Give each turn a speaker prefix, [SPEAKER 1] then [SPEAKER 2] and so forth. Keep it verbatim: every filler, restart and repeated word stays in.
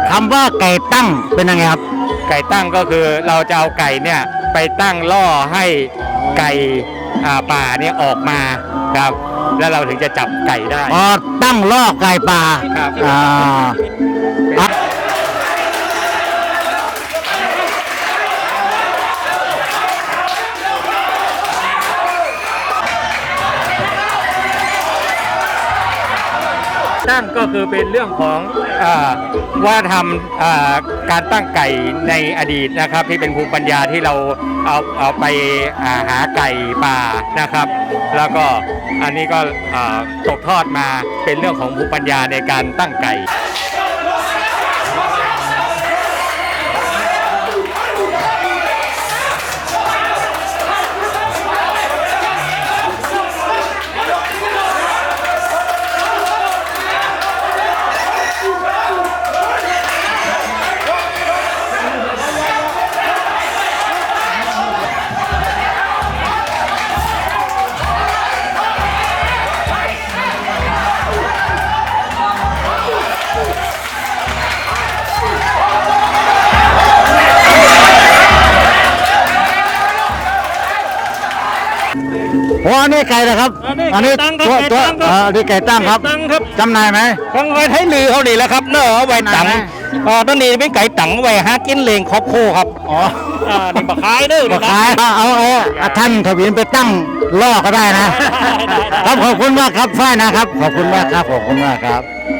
[SPEAKER 1] คำว่าไก่ตั้งเป็นยังไงครับ
[SPEAKER 2] ไก่ตั้งก็คือเราจะเอาไก่เนี่ยไปตั้งล่อให้ไก่ป่าเนี่ยออกมาครับแล้วเราถึงจะจับไก่ได้
[SPEAKER 1] อ๋อตั้งล่อไก่ป่า
[SPEAKER 2] ครับ
[SPEAKER 1] อ่า
[SPEAKER 2] ตั้งก็คือเป็นเรื่องของว่าทำการตั้งไก่ในอดีตนะครับที่เป็นภูมิปัญญาที่เราเอาเอาไปหาไก่ป่านะครับแล้วก็อันนี้ก็ตกทอดมาเป็นเรื่องของภูมิปัญญาในการตั้งไก่
[SPEAKER 1] โอ้อันนี้ไก่นะครับอันนี้ตัวตัวอันนี้ไก่ตั้งครับจำหน่ายไหม
[SPEAKER 2] ของไว้ไทยลือเขาดีแล้วครับเนอะไว้ตังอ๋อตอนนี้เป็นไก่ตังไว้หากินเลงครอบโคครับ
[SPEAKER 1] อ๋อ
[SPEAKER 2] นี่บักขายเด้อ
[SPEAKER 1] บักขายเอาเอาท่านทวินไปตั้งล่อก็ได้นะครับขอบคุณมากครับฝ้ายนะครับขอบคุณมากครับขอบคุณมากครับ